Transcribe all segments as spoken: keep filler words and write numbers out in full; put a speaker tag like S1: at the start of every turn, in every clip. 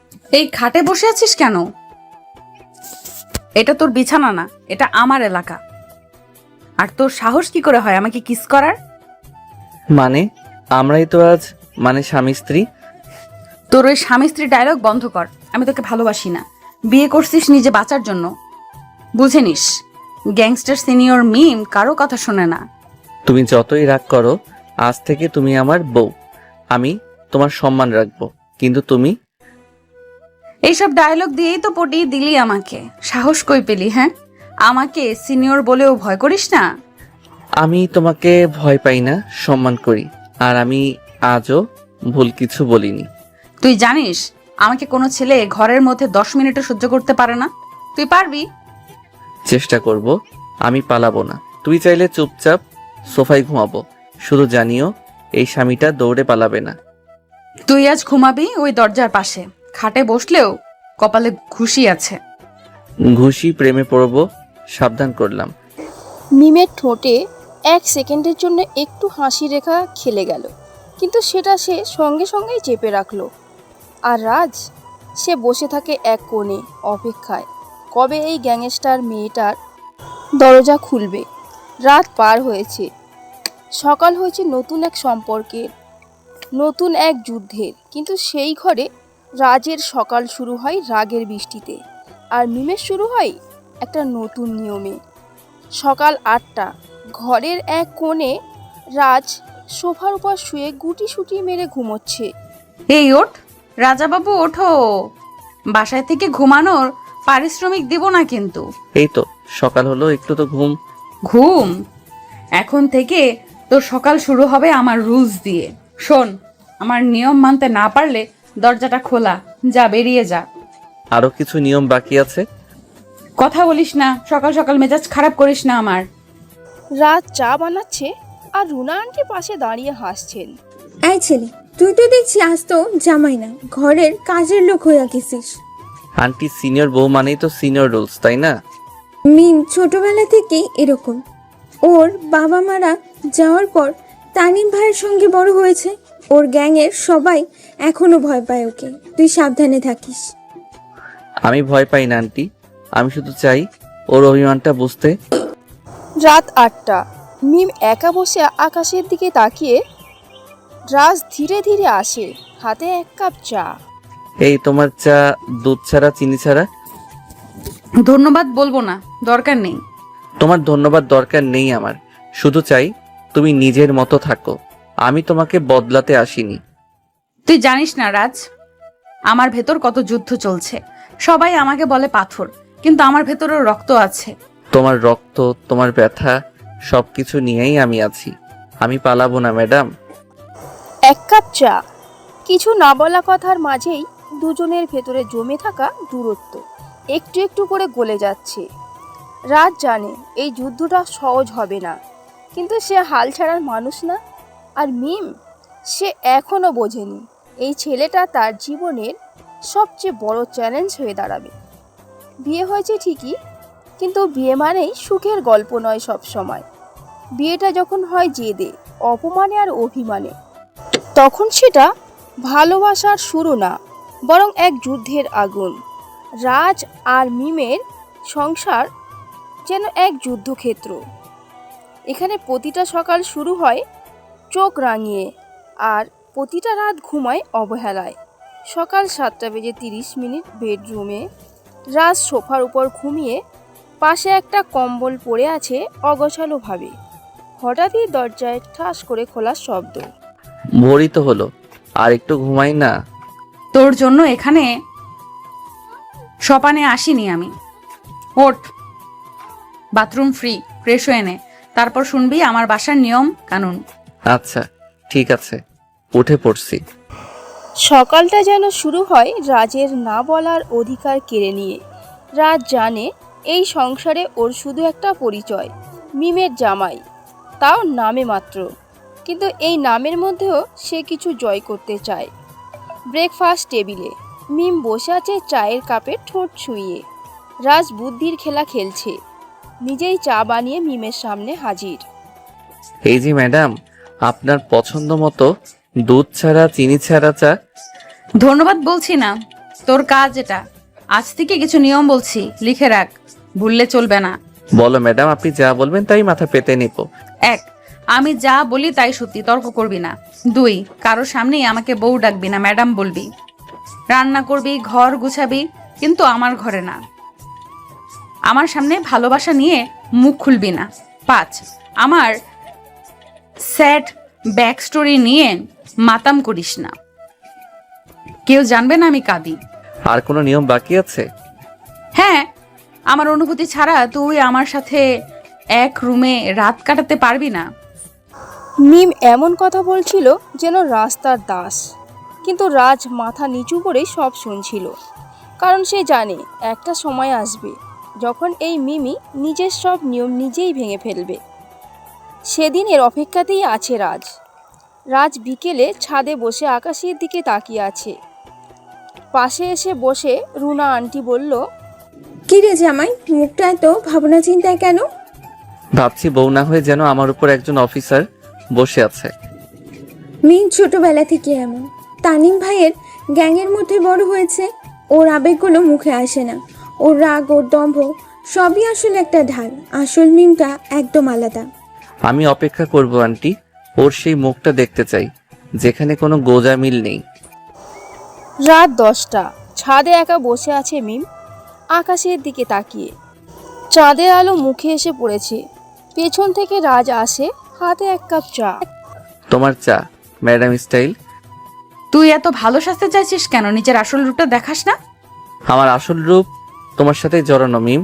S1: এই খাটে বসে আছিস কেন? এটা তোর বিছানা না, এটা আমার এলাকা। আর তোর সাহস কি করে হয় আমাকে কিস করার?
S2: মানে আমরাই তো আজ মানে স্বামী স্ত্রী।
S1: তোর ওই স্বামী স্ত্রী ডায়লগ বন্ধ কর। আমি তোকে ভালোবাসি না, বিয়ে করছিস নিজে বাঁচার জন্য। বুঝে নিস, গ্যাংস্টার সিনিয়র মিম কারো কথা শোনে না।
S2: তুমি যতই রাগ করো, আজ থেকে তুমি আমার বউ। আমি তোমার সম্মান রাখবো, কিন্তু তুমি
S1: এইসব ডায়লগ দিয়েই তো পটিয়ে দিলি আমাকে। সাহস কই পেলি? হ্যাঁ, আমাকে সিনিয়র বলেও ভয় করিস না?
S2: আমি তোমাকে ভয় পাই না, সম্মান করি। আর আমি আজও ভুল কিছু বলিনি।
S1: তুই জানিস আমাকে কোনো ছেলে ঘরের মধ্যে দশ মিনিটও সহ্য করতে পারে না। তুই পারবি?
S2: চেষ্টা করব, আমি পালাবো না। তুই চাইলে চুপচাপ সোফায় ঘুমাবো, শুধু জানিও এই স্বামীটা দৌড়ে পালাবে না।
S1: তুই আজ ঘুমাবি ওই দরজার পাশে। খাটে বসলেও কপালে ঘুষি আছে।
S2: ঘুষি প্রেমে পড়বো, সাবধান করলাম।
S3: মিমের ঠোঁটে এক সেকেন্ডের জন্য একটু হাসি রেখা খেলে গেল, কিন্তু সেটা সে সঙ্গে সঙ্গেই চেপে রাখলো। আর রাজ, সে বসে থাকে এক কোণে অপেক্ষায়, কবে এই গ্যাংস্টার মেয়েটার দরজা খুলবে। রাত পার হয়েছে, সকাল হয়েছে নতুন এক সম্পর্কের, নতুন এক যুদ্ধের। কিন্তু সেই ঘরে রাজের সকাল শুরু হয় রাগের বৃষ্টিতে, আর মিমের শুরু হয় একটা নতুন নিয়মে। সকাল আটটা, ঘরের এক কোণে রাজ সোফার উপর শুয়ে গুটি সুটি মেরে ঘুমোচ্ছে।
S1: এই ওঠ রাজাবাবু, ওঠো। বাসায় থেকে ঘুমানোর পারিশ্রমিক দিব না কিন্তু।
S2: এই তো সকাল হলো, একটু তো ঘুম।
S1: ঘুম? এখন থেকে তোর সকাল শুরু হবে আমার রুলস দিয়ে। শোন, আমার নিয়ম মানতে না পারলে দরজাটা খোলা, যা বেরিয়ে যা।
S2: আরো কিছু নিয়ম বাকি আছে।
S1: কথা বলিস না, সকাল সকাল মেজাজ খারাপ করিস না আমার।
S3: রাজ চা বানাচ্ছে আর রুনা আন্টি পাশে দাঁড়িয়ে হাসছেন।
S4: এই ছেলে, তুই তো দেখছি আজ তো জামাই না, ঘরের কাজের লোক হইয়া গেছিস।
S2: আন্টি সিনিয়র বউ মানেই তো সিনিয়র রুলস, তাই না?
S4: মিম ছোটবেলা থেকেই এরকম। ওর বাবা মারা যাওয়ার পর তানিম ভাইয়ের সঙ্গে বড় হয়েছে। ওর গ্যাংয়ের সবাই এখনো ভয় পায় ওকে। তুই সাবধানে থাকিস।
S2: আমি ভয় পাই না আন্টি, আমি শুধু চাই ওর অভিমানটা বুঝতে।
S3: রাত আটটা, মিম একা বসে আকাশের দিকে তাকিয়ে। রাজ ধীরে ধীরে আসে, হাতে এক কাপ চা।
S2: এই তোমার চা দুধ ছাড়া, চিনি ছাড়া?
S1: ধন্যবাদ বলবো না, দরকার নেই।
S2: তোমার ধন্যবাদ দরকার নেই আমার, শুধু চাই তুমি নিজের মতো থাকো। আমি তোমাকে বদলাতে আসিনি।
S1: তুই জানিস না রাজ, আমার ভেতর কত যুদ্ধ চলছে। সবাই আমাকে বলে পাথর, কিন্তু আমার ভেতরও রক্ত আছে।
S2: তোমার রক্ত, তোমার ব্যথা, সবকিছু নিয়েই আমি আছি। আমি পালাবো না ম্যাডাম।
S3: এক কাপ চা, কিছু না বলা কথার মাঝেই দুজনের ভেতরে জমে থাকা দূরত্ব একটু একটু করে গলে যাচ্ছে। রাজ জানে এই যুদ্ধটা সহজ হবে না, কিন্তু সে হাল ছাড়ার মানুষ না। আর মিম, সে এখনও বোঝেনি এই ছেলেটা তার জীবনের সবচেয়ে বড় চ্যালেঞ্জ হয়ে দাঁড়াবে। বিয়ে হয়েছে ঠিকই, কিন্তু বিয়ে মানেই সুখের গল্প নয় সব সময়। বিয়েটা যখন হয় জেদে, অপমানে আর অভিমানে, তখন সেটা ভালোবাসার শুরু না, বরং এক যুদ্ধের আগুন। রাজ আর মিমের সংসার যেন এক যুদ্ধক্ষেত্র। এখানে প্রতিটা সকাল শুরু হয় চোখ রাঙিয়ে, আর প্রতিটা রাত ঘুমায় অবহেলায়। সকাল সাতটা বেজে তিরিশ মিনিট, বেডরুমে রাজ সোফার উপর ঘুমিয়ে, পাশে একটা কম্বল পড়ে আছে অগোছালোভাবে। হঠাৎই দরজায় ঠাস করে খোলার শব্দ।
S2: ভোরই তো হলো, আর একটু ঘুমাই না?
S1: তোর জন্য এখানে সপানে আসিনি আমি। ওঠ, বাথরুম ফ্রি, ফ্রেশ হয়ে নে, তারপর শুনবি আমার বাসার নিয়ম কানুন।
S2: আচ্ছা ঠিক আছে, উঠে পড়ছি।
S3: সকালটা যেন শুরু হয় রাজের না বলার অধিকার কেড়ে নিয়ে। রাজ জানে এই সংসারে ওর শুধু একটা পরিচয়, মিমের জামাই, তাও নামে মাত্র। কিন্তু এই নামের মধ্যেও সে কিছু জয় করতে চায়। ব্রেকফাস্ট টেবিলে মিম বসে আছে চায়ের কাপে ঠোঁট ছুঁইয়ে। রাজ বুদ্ধির খেলা খেলছে, নিজেই চা বানিয়ে মিমের সামনে হাজির।
S2: এই যে ম্যাডাম, আপনার পছন্দ মতো দুধ ছাড়া, চিনি ছাড়া চা।
S1: ধন্যবাদ বলছি না, তোর কাজ এটা। আজ থেকে কিছু নিয়ম বলছি, লিখে রাখ, ভুললে চলবে না।
S2: বলো ম্যাডাম, আপনি যা বলবেন তাই মাথা পেতে নিব।
S1: এক, আমি যা বলি তাই সত্যি, তর্ক করবি না। দুই, কারোর সামনেই আমাকে বউ ডাকবি না, ম্যাডাম বলবি। রান্না করবি, ঘর গুছাবি, কিন্তু আমার ঘরে না। আমার সামনে ভালোবাসা নিয়ে মুখ খুলবি না। পাঁচ, আমার স্যাড ব্যাক স্টোরি নিয়ে মাতাম করিস না, কেউ জানবে না আমি কাঁদি।
S2: আর কোনো নিয়ম বাকি আছে?
S1: হ্যাঁ, আমার অনুভূতি ছাড়া তুই আমার সাথে এক রুমে রাত কাটাতে পারবি না।
S3: মিম এমন কথা বলছিল যেন রাস্তার দাস, কিন্তু রাজ মাথা নিচু করে সব শুনছিল, কারণ সে জানে একটা সময় আসবে যখন এই মিমি নিজের সব নিয়ম নিজেই ভেঙে ফেলবে। সেদিনের অপেক্ষাতেই আছে রাজ। রাজ বিকেলে ছাদে বসে আকাশের দিকে তাকিয়ে আছে। পাশে এসে বসে রুনা আন্টি বলল,
S4: কি রে জামাই, মুখটা এত ভাবনা চিন্তায় কেন?
S2: ভাবছি বউ না হয়ে যেন আমার উপর একজন অফিসার বসে আছে।
S4: মিম ছোটবেলা থেকে এমন। তানিম ভাইয়ের গ্যাংয়ের মধ্যে বড় হয়েছে। ওর আবেগগুলো মুখে আসে না। ওর রাগ, ওর দম্ভ সবই আসলে একটা ঢাল। আসল মিমটা একদম আলাদা।
S2: আমি অপেক্ষা করব আন্টি, ওর সেই মুখটা দেখতে চাই যেখানে কোনো গোজা মিল নেই।
S3: রাত দশটা, ছাদে একা বসে আছে মিম, আকাশের দিকে তাকিয়ে। চাঁদের আলো মুখে এসে পড়েছে। পেছন থেকে রাজ আসে, হাতে এক কাপ চা।
S2: তোমার চা ম্যাডাম স্টাইল।
S1: তুই এত ভালো সাজতে চাইছিস কেন? নিজের আসল রূপটা দেখাস না?
S2: আমার আসল রূপ তোমার সাথে জড়ানো মিম।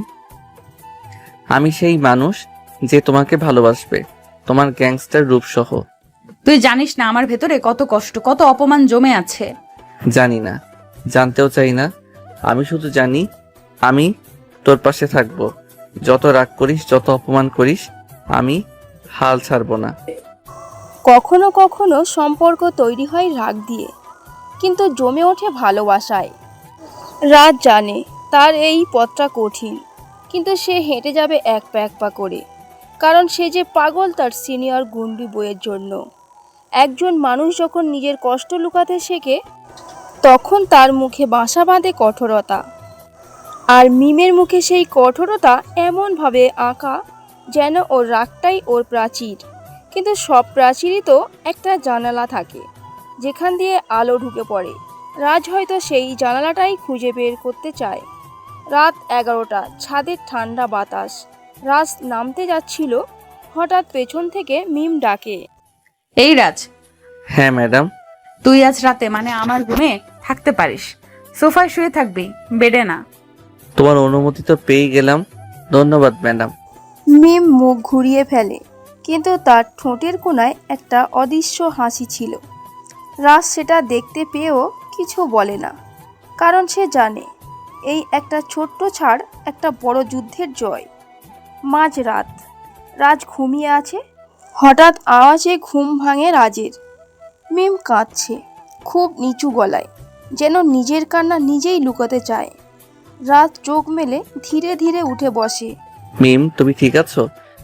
S2: আমি সেই মানুষ যে তোমাকে ভালোবাসবে, তোমার গ্যাংস্টার রূপ সহ।
S1: তুই জানিস না আমার ভেতরে কত কষ্ট, কত অপমান জমে আছে।
S2: জানি না, জানতেও চাই না। আমি শুধু জানি আমি তোর পাশে থাকবো। যত রাগ করিস, যত অপমান করিস, আমি হাল ছাড়বো না।
S3: কখনো কখনো সম্পর্ক তৈরি হয় রাগ দিয়ে, কিন্তু জমে ওঠে ভালোবাসায়। রাজ জানে তার এই পথটা কঠিন, কিন্তু সে হেঁটে যাবে এক পা এক পা করে, কারণ সে যে পাগল তার সিনিয়র গুন্ডি বইয়ের জন্য। একজন মানুষ যখন নিজের কষ্ট লুকাতে শেখে, তখন তার মুখে বাসা বাঁধে কঠোরতা। আর মিমের মুখে সেই কঠোরতা এমনভাবে আঁকা যেন ওর রাগটাই ওর প্রাচীর। কিন্তু সব প্রাচীরই তো একটা জানালা থাকে যেখান দিয়ে আলো ঢুকে পড়ে। রাজ হয়তো সেই জানালাটাই খুঁজে বের করতে চায়। রাত এগারোটা, ছাদের ঠান্ডা বাতাস। রাজ নামতে যাচ্ছিল, হঠাৎ পেছন থেকে মিম ডাকে,
S1: এই রাজ,
S2: হ্যাঁ ম্যাডাম।
S1: তুই আজ রাতে মানে আমার রুমে থাকতে পারিস। সোফায় শুয়ে থাকবি, বেডে না।
S2: তোমার অনুমতি তো পেয়ে গেলাম, ধন্যবাদ ম্যাডাম।
S3: মিম মুখ ঘুরিয়ে ফেলে, কিন্তু তার ঠোঁটের কোণায় একটা অদৃশ্য হাসি ছিল। রাজ সেটা দেখতে পেয়েও কিছু বলে না, কারণ সে জানে এই একটা ছোট্ট ছাড় একটা বড় যুদ্ধের জয়। মাঝরাত, রাজ ঘুমিয়ে আছে। হঠাৎ আওয়াজে ঘুম ভাঙে রাজের। মিম কাঁদছে, খুব নিচু গলায়, যেন নিজের কান্না নিজেই লুকাতে চায়। রাজ চোখ মেলে ধীরে ধীরে উঠে বসে।
S2: মিম, তুমি ঠিক আছো?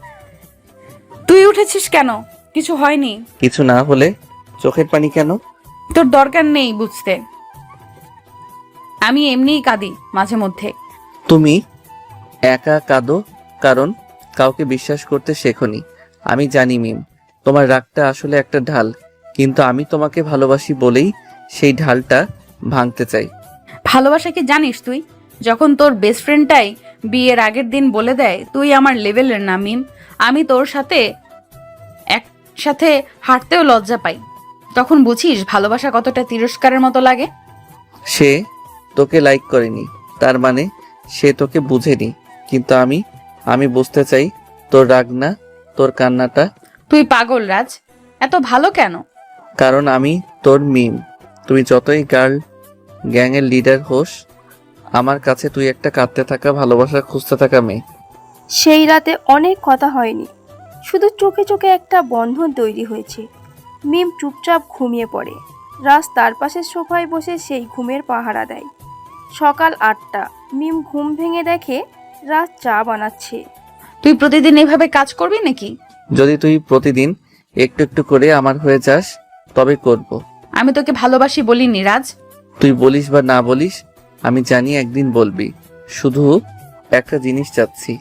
S1: তুই উঠেছিস কেন? কিছু হয়নি।
S2: কিছু না হলে চোখের পানি কেন?
S1: তোর দরকার নেই বুঝতে। আমি এমনিই কাঁদি মাঝে মধ্যে।
S2: তুমি একা কাঁদো কারণ কাউকে বিশ্বাস করতে শেখোনি। আমি জানি মিম, তোমার রাগটা আসলে একটা ঢাল, কিন্তু আমি তোমাকে ভালোবাসি বলেই সেই ঢালটা ভাঙতে চাই।
S1: ভালোবাসা কি জানিস তুই? যখন তোর বেস্ট ফ্রেন্ডটাই বিয়ের আগের দিন বলে দেয় তুই আমার লেভেলের না মিম, আমি তোর সাথে একসাথে হাঁটতেও লজ্জা পাই, তখন বুঝিস ভালোবাসা কতটা তিরস্কারের মতো লাগে।
S2: সে তোকে লাইক করেনি, তার মানে সে তোকে বুঝেনি। কিন্তু আমি আমি বুঝতে চাই তোর রাগ না, তোর কান্নাটা।
S1: তুই পাগল রাজ, এত ভালো কেন?
S2: কারণ আমি তোর মিম। তুই যতই গার্ল গ্যাংয়ের লিডার হোস, আমার কাছে তুই একটা কাঁদতে থাকা, ভালোবাসা খুঁজতে থাকা মেয়ে।
S3: সেই রাতে অনেক কথা হয়নি, শুধু চোখে চোখে একটা বন্ধন তৈরি হয়েছে। মিম চুপচাপ ঘুমিয়ে পড়ে। রাজ তার পাশের সোফায় বসে সেই ঘুমের পাহারা দেয়। সকাল আটটা, মিম ঘুম ভেঙে দেখে রাজ চা বানাচ্ছে।
S1: তুই প্রতিদিন এইভাবে কাজ করবি নাকি?
S2: যদি তুই প্রতিদিন একটু একটু করে আমার হয়ে যাস তবে করব।
S1: আমি তোকে ভালোবাসি বলিনি রাজ।
S2: তুই বলিস বা না বলিস, আমি জানি একদিন বলবি। শুধু একটা জিনিস চাচ্ছি,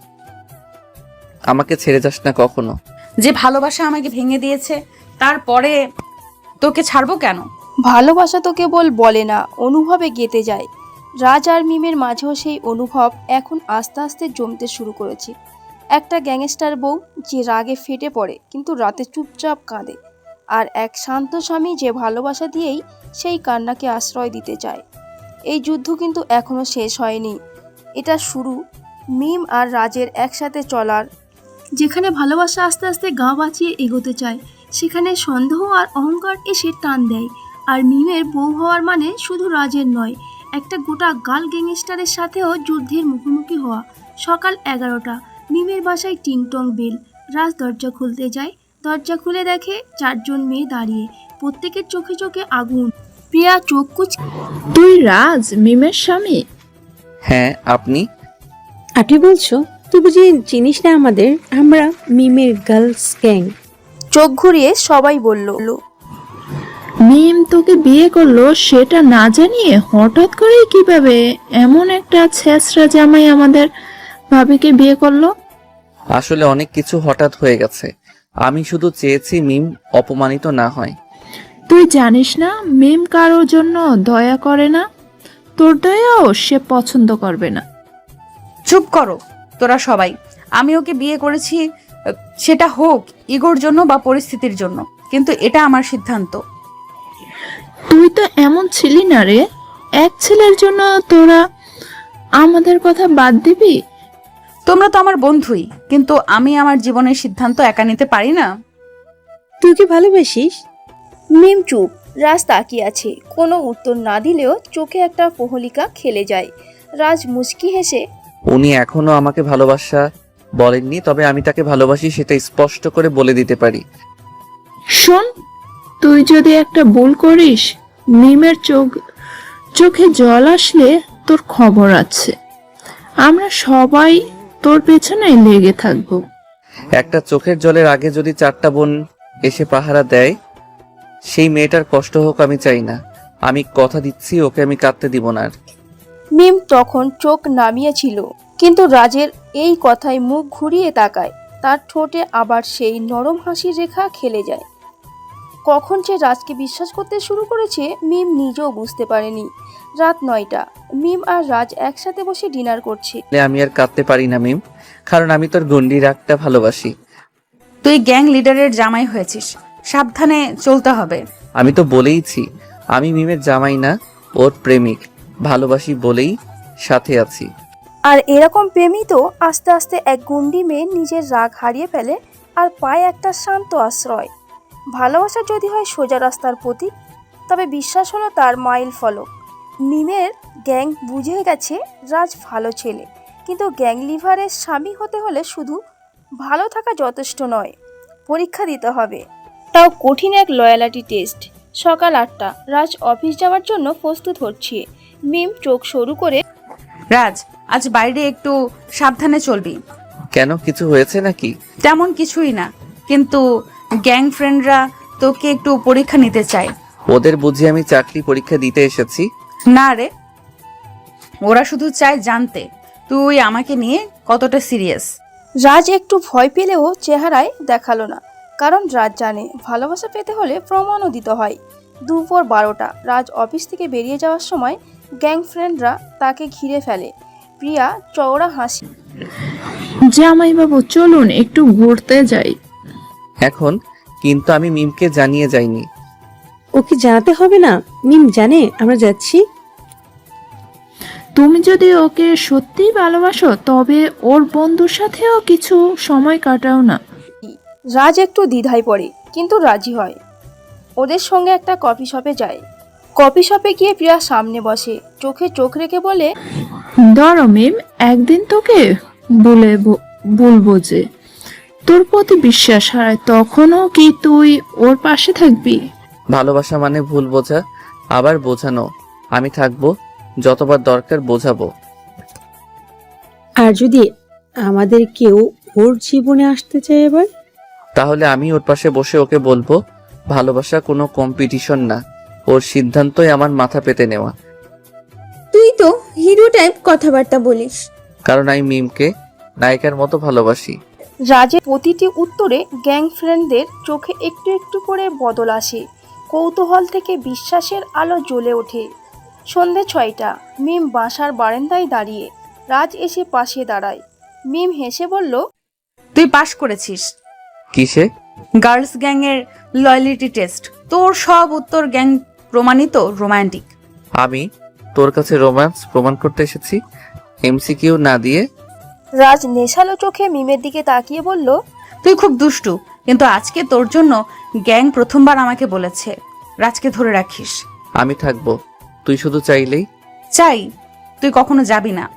S2: আমাকে ছেড়ে যাস না কখনো।
S1: যে ভালোবাসা আমাকে ভেঙে দিয়েছে তারপরে তোকে ছাড়বো কেন?
S3: ভালোবাসা তো কেবল বলে না, অনুভবে গেঁথে যায়। রাজ আর মিমের মাঝেও সেই অনুভব এখন আস্তে আস্তে জমতে শুরু করেছে। একটা গ্যাংস্টার বউ যে রাগে ফেটে পড়ে কিন্তু রাতে চুপচাপ কাঁদে, আর এক শান্ত স্বামী যে ভালোবাসা দিয়েই সেই কান্নাকে আশ্রয় দিতে চায়। এই যুদ্ধ কিন্তু এখনো শেষ হয়নি, এটা শুরু। মিম আর রাজের একসাথে চলার, যেখানে ভালোবাসা আস্তে আস্তে গা বাঁচিয়ে এগোতে চায়, সেখানে সন্দেহ আর অহংকার এসে টান দেয়। আর মিমের বউ হওয়ার মানে শুধু রাজের নয়, একটা গোটা গার্ল গ্যাংস্টারের সাথেও যুদ্ধের মুখোমুখি হওয়া। সকাল এগারোটা, মিমের বাসায় টিংটং বেল। রাজ দরজা খুলতে যায়, দরজা খুলে দেখে চারজন মেয়ে দাঁড়িয়ে, প্রত্যেকের চোখে চোখে আগুন। প্রিয়া চোখ কুচ
S5: তুই রাজ, মিমের স্বামী?
S2: হ্যাঁ, আপনি?
S6: আপনি বলছো? তুই বুঝি চিনিস না আমাদের? আমরা মিমের গার্লস গ্যাং।
S3: চোখ ঘুরিয়ে সবাই বলল,
S5: মিম তোকে বিয়ে করলো সেটা না জানিয়ে হঠাৎ করে কিভাবে এমন একটা ছেঁচড়া জামাই আমাদের ভাবিকে বিয়ে করলো?
S2: আসলে অনেক কিছু হঠাৎ হয়ে গেছে। আমি শুধু চেয়েছি মিম অপমানিত না হয়।
S5: তুই জানিস না মিম কারোর জন্য দয়া করে না, তোর দয়াও সে পছন্দ করবে না।
S1: চুপ করো তোরা সবাই। আমি ওকে বিয়ে করেছি, আহ, সেটা হোক ইগোর জন্য বা পরিস্থিতির জন্য, কিন্তু এটা আমার সিদ্ধান্ত।
S5: তুই তো এমন ছিলি না রে, এক ছেলের জন্য তোরা আমাদের কথা বাদ দিবি?
S1: তোমরা তো আমার বন্ধুই, কিন্তু আমি আমার জীবনের সিদ্ধান্ত একা নিতে পারি না।
S6: তুই কি ভালোবাসিস?
S3: মিম চুপ। রাজ তাকিয়ে আছে, কোনো উত্তর না দিলেও চোখে একটা প্রহলিকা খেলে যায়। রাজ মুচকি হেসে,
S2: উনি এখনো আমাকে ভালোবাসা বলেননি, তবে আমি তাকে ভালোবাসি সেটা স্পষ্ট করে বলে দিতে পারি।
S5: শোন, তুই যদি একটা ভুল করিস, মিমের চোখ চোখে জল আসলে তোর খবর আছে। আমরা সবাই তোর পেছনে লেগে থাকবো।
S2: একটা চোখের জলের আগে যদি চারটা বোন এসে পাহারা দেয়, সেই মেয়েটার কষ্ট হোক আমি চাই না। আমি কথা দিচ্ছি ওকে আমি কাঁদতে দিব না আর।
S3: মিম তখন চোখ নামিয়েছিল, কিন্তু রাজের এই কথায় মুখ ঘুরিয়ে তাকায়। তার ঠোঁটে আবার সেই নরম হাসির রেখা খেলে যায়। কখন সে রাজকে বিশ্বাস করতে শুরু করেছে মিম নিজেও বুঝতে পারেনি। রাত নয়টা, মিম আর রাজ একসাথে বসে ডিনার করছে।
S2: আমি আর কাঁদতে পারি না মিম, কারণ আমি তোর গন্ডি রাগটা ভালোবাসি।
S1: তুই গ্যাং লিডারের জামাই হয়েছিস, সাবধানে চলতে হবে।
S2: আমি তো বলেইছি আমি মিমের জামাই না, ওর প্রেমিক। ভালোবাসি বলেই সাথে আছি।
S3: আর এরকম প্রেমই তো আস্তে আস্তে এক গুন্ডি মেয়ে নিজের রাগ হারিয়ে ফেলে আর পায় একটা শান্ত আশ্রয়। ভালোবাসা যদি হয় সোজা রাস্তার প্রতীক, তবে বিশ্বাস হলো তার মাইল ফলক। মিমের গ্যাং বুঝে গেছে রাজ ভালো ছেলে, কিন্তু গ্যাং লিভারের স্বামী হতে হলে শুধু ভালো থাকা যথেষ্ট নয়, পরীক্ষা দিতে হবে, তাও কঠিন এক লয়ালিটি টেস্ট। সকাল আটটা, রাজ অফিস যাওয়ার জন্য প্রস্তুত হচ্ছে। মিম চোখ সরু করে,
S1: রাজ, আজ বাইরে একটু সাবধানে চলবি।
S2: কেন, কিছু হয়েছে নাকি?
S1: তেমন কিছুই না, কিন্তু গ্যাং ফ্রেন্ডরা তোকে একটু পরীক্ষা নিতে চায়।
S2: ওদের বুঝি আমি চাকরি পরীক্ষা দিতে এসেছি?
S1: না রে, ওরা শুধু চায় জানতে তুই আমাকে নিয়ে কতটা সিরিয়াস।
S3: রাজ একটু ভয় পেলেও চেহারায় দেখালো না, কারণ রাজ জানে ভালোবাসা পেতে হলে প্রমাণও দিতে হয়। দুপুর বারোটা, রাজ অফিস থেকে বেরিয়ে যাওয়ার সময় গ্যাং ফ্রেন্ডরা তাকে ঘিরে ফেলে। প্রিয়া চওড়া হাসি,
S5: জামাইবাবু চলুন একটু ঘুরতে যাই।
S2: এখন কিন্তু আমি মিমকে জানিয়ে যাইনি।
S6: ওকে জানাতে হবে না, মিম জানে আমরা যাচ্ছি।
S5: তুমি যদি ওকে সত্যিই ভালোবাসো তবে ওর বন্ধুর সাথেও কিছু সময় কাটাও না।
S3: রাজ একটু দ্বিধায় পড়ে, কিন্তু রাজি হয়। ওদের সঙ্গে একটা কফি শপে যায়। কফি শপে গিয়ে প্রিয়া সামনে বসে, চোখে চোখ রেখে বলে,
S5: ধরো মিম, একদিন তোকে বলে ব- বলবো যে তোর প্রতি বিশ্বাস হারায়, তখনও কি তুই ওর পাশে থাকবি?
S2: ভালোবাসা মানে ভুল বোঝা, আবার বোঝানো। আমি থাকবো, যতবার দরকার বোঝাবো।
S6: আর যদি আমাদের কেউ ওর জীবনে আসতে চায় এবার?
S2: তাহলে আমি ওর পাশে বসে ওকে বলবো, ভালোবাসা কোনো কম্পিটিশন না, ওর সিদ্ধান্তই আমার মাথা পেতে নেওয়া।
S6: তুই
S4: তুই তো হিরো টাইপ কথাবার্তা বলিস।
S2: কারণ আমি মিমকে নায়িকার মতো ভালোবাসি।
S3: রাজের প্রতিটি উত্তরে গ্যাং ফ্রেন্ডদের চোখে একটু একটু করে বদল আসে। কৌতূহল থেকে বিশ্বাসের আলো জ্বলে ওঠে। সন্ধে ছয়টা, মিম বাসার বারান্দায় দাঁড়িয়ে। রাজ এসে পাশে দাঁড়ায়। মিম হেসে বলল,
S1: তুই পাশ করেছিস
S2: কিসে?
S1: গার্লস গ্যাংয়ের লয়্যালিটি টেস্ট। তোর সব উত্তর গ্যাং প্রমাণিত রোমান্টিক।
S2: আমি তোর কাছে রোম্যান্স প্রমাণ করতে এসেছি, এমসিকিউ না দিয়ে।
S3: রাজ নেশালো চোখে মিমের দিকে তাকিয়ে বলল,
S1: তুই খুব দুষ্টু, কিন্তু আজকে তোর জন্য গ্যাং প্রথমবার আমাকে বলেছে রাজকে ধরে রাখিস।
S2: আমি থাকবো, তুই শুধু চাইলেই।
S1: চাই, তুই কখনো যাবি না।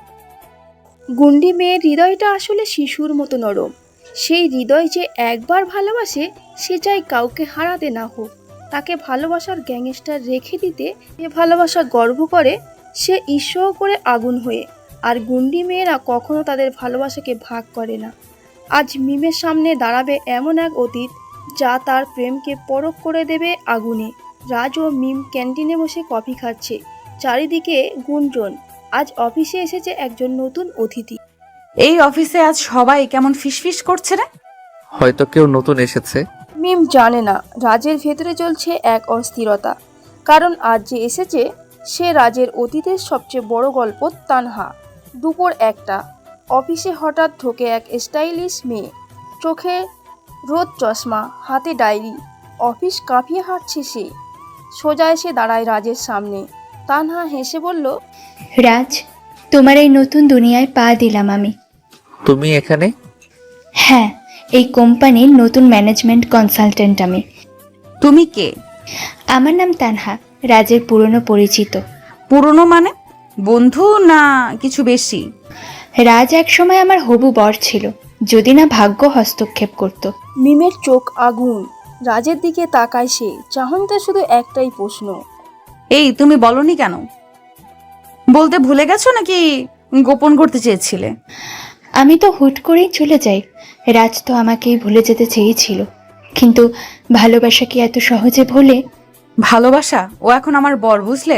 S3: গুন্ডি মেয়ের হৃদয়টা আসলে শিশুর মতো নরম। সেই হৃদয় যে একবার ভালোবাসে, সে চাই কাউকে হারাতে না হোক। তাকে ভালোবাসার গ্যাংস্টার রেখে দিতে যে ভালোবাসা গর্ব করে, সে ঈশ্বর করে আগুন হয়ে। আর গুন্ডি মেয়েরা কখনো তাদের ভালোবাসাকে ভাগ করে না। আজ মিমের সামনে দাঁড়াবে এমন এক অতীত, যা তার প্রেমকে পরখ করে দেবে আগুনে। রাজ ও মিম ক্যান্টিনে বসে কফি খাচ্ছে। চারিদিকে গুঞ্জন। আজ অফিসে এসেছে একজন নতুন অতিথি।
S1: এই অফিসে আজ সবাই কেমন ফিসফিস করছে রে।
S2: হয়তো কেউ নতুন এসেছে।
S3: মিম জানে না রাজের ভেতরে চলছে এক অস্থিরতা। কারণ আজ যে এসেছে, সে রাজের অতীতের সবচেয়ে বড় গল্প তানহা। দুপুর একটা, অফিসে হঠাৎ ঢোকে এক স্টাইলিশ মেয়ে। চোখে রোদ চশমা, হাতে ডায়েরি। অফিস কাঁপিয়ে হাঁটছে সে। সোজা এসে দাঁড়ায় রাজের সামনে। তানহা হেসে বলল,
S7: রাজ, তোমার এই নতুন দুনিয়ায় পা দিলাম আমি।
S2: তুমি এখানে?
S7: হ্যাঁ, এই কোম্পানির নতুন ম্যানেজমেন্ট কনসালটেন্ট আমি।
S1: তুমি কে?
S7: আমার নাম তানহা, রাজের পুরনো পরিচিত।
S1: পুরনো মানে বন্ধু না কিছু বেশি?
S7: রাজ একসময় আমার হবু বর ছিল, যদি না ভাগ্য হস্তক্ষেপ করত।
S3: মিমের চোখ আগুন। রাজের দিকে তাকায় সে। চাহনিতে শুধু একটাই প্রশ্ন,
S1: এই তুমি বলনি কেন? বলতে ভুলে গেছো নাকি গোপন করতে চেয়েছিলে?
S7: আমি তো হুট করেই চলে যাই। রাজ তো আমাকেই ভুলে যেতে চেয়েছিল, কিন্তু ভালোবাসা কি এত সহজে ভোলে?
S1: ভালোবাসা? ও এখন আমার বর, বুঝলে?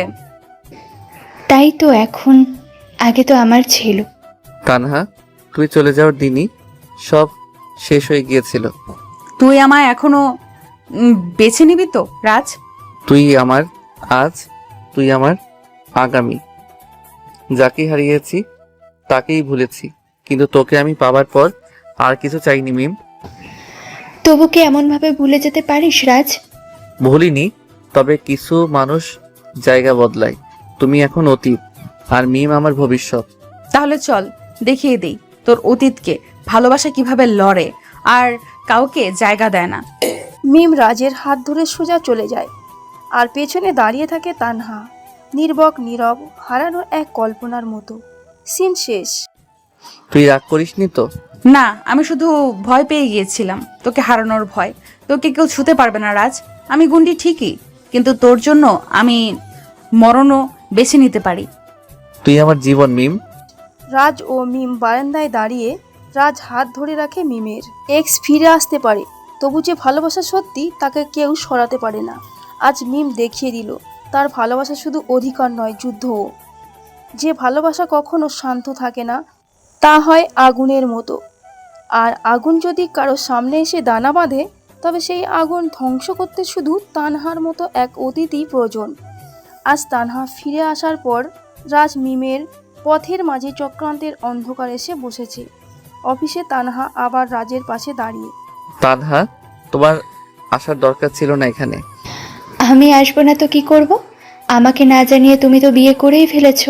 S7: তাই তো এখন, আগে তো আমার ছিল।
S2: তানহা, তুই চলে যাওয়ার দিনই সব শেষ হয়ে গিয়েছিল।
S1: তুই আমায় এখনো উম, বেছে নিবি তো রাজ?
S2: তুই আমার আজ, তুই আমার আগামী। যাকে হারিয়েছি তাকেই ভুলেছি, কিন্তু তোকে আমি পাবার পর আর কিছু চাইনি মিম।
S7: তবু কি এমনভাবে ভুলে যেতে পারিস রাজ?
S2: ভুলিনি, তবে কিছু মানুষ জায়গা বদলায়। তুমি এখন অতীত, আর মিম আমার ভবিষ্যৎ।
S1: তাহলে চল দেখিয়ে দেই তোর অতীতকে ভালোবাসা কিভাবে লড়ে আর কাউকে জায়গা দেয় না।
S3: মিম রাজের হাত ধরে সোজা চলে যায়। আর পেছনে দাঁড়িয়ে থাকে তানহা, নির্বক নীরব, হারানো এক কল্পনার মতো। সিন শেষ।
S2: তুই রাগ করিসনি তো?
S1: না, আমি শুধু ভয় পেয়ে গিয়েছিলাম, তোকে হারানোর ভয়। তোকে কেউ ছুতে পারবে না রাজ। আমি গুন্ডি ঠিকই, কিন্তু তোর জন্য আমি মরণও বেছে নিতে পারি।
S2: তুই আমার জীবন মিম।
S3: রাজ ও মিম বারান্দায় দাঁড়িয়ে। রাজ হাত ধরে রাখে মিমের। এক্স ফিরে আসতে পারে, তবু যে ভালোবাসা সত্যি তাকে কেউ সরাতে পারে না। আজ মিম দেখিয়ে দিল তার ভালোবাসা শুধু অধিকার নয়, যুদ্ধও। যে ভালোবাসা কখনো শান্ত থাকে না, তা হয় আগুনের মতো। আর আগুন যদি কারো সামনে এসে দানা বাঁধে, তবে সেই আগুন ধ্বংস করতে শুধু তানহার মতো এক অতিথি প্রয়োজন। আজ তানহা ফিরে আসার পর রাজ মিমের পথের মাঝে চক্রান্তের অন্ধকার এসে বসেছে। অফিসে তানহা আবার রাজের পাশে দাঁড়িয়ে।
S2: তানহা, তোমার আসার দরকার ছিল না এখানে।
S7: আমি আসবো না তো কি করব? আমাকে না জানিয়ে তুমি তো বিয়ে করেই ফেলেছো।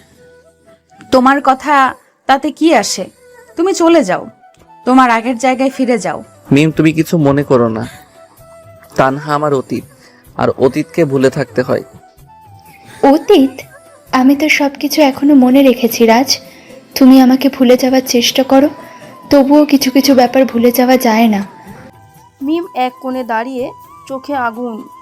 S1: তোমার কথা তাতে কি আসে? তুমি চলে যাও, তোমার আগের জায়গায় ফিরে যাও।
S2: মিম, তুমি কিছু মনে করো না। তানহা আমার অতীত, আর অতীতকে ভুলে থাকতে হয়।
S7: অতীত? আমি তো সবকিছু এখনো মনে রেখেছি রাজ। তুমি আমাকে ভুলে যাওয়ার চেষ্টা করো, তবুও কিছু কিছু ব্যাপার ভুলে যাওয়া যায় না।
S3: মিম এক কোণে দাঁড়িয়ে, চোখে আগুন।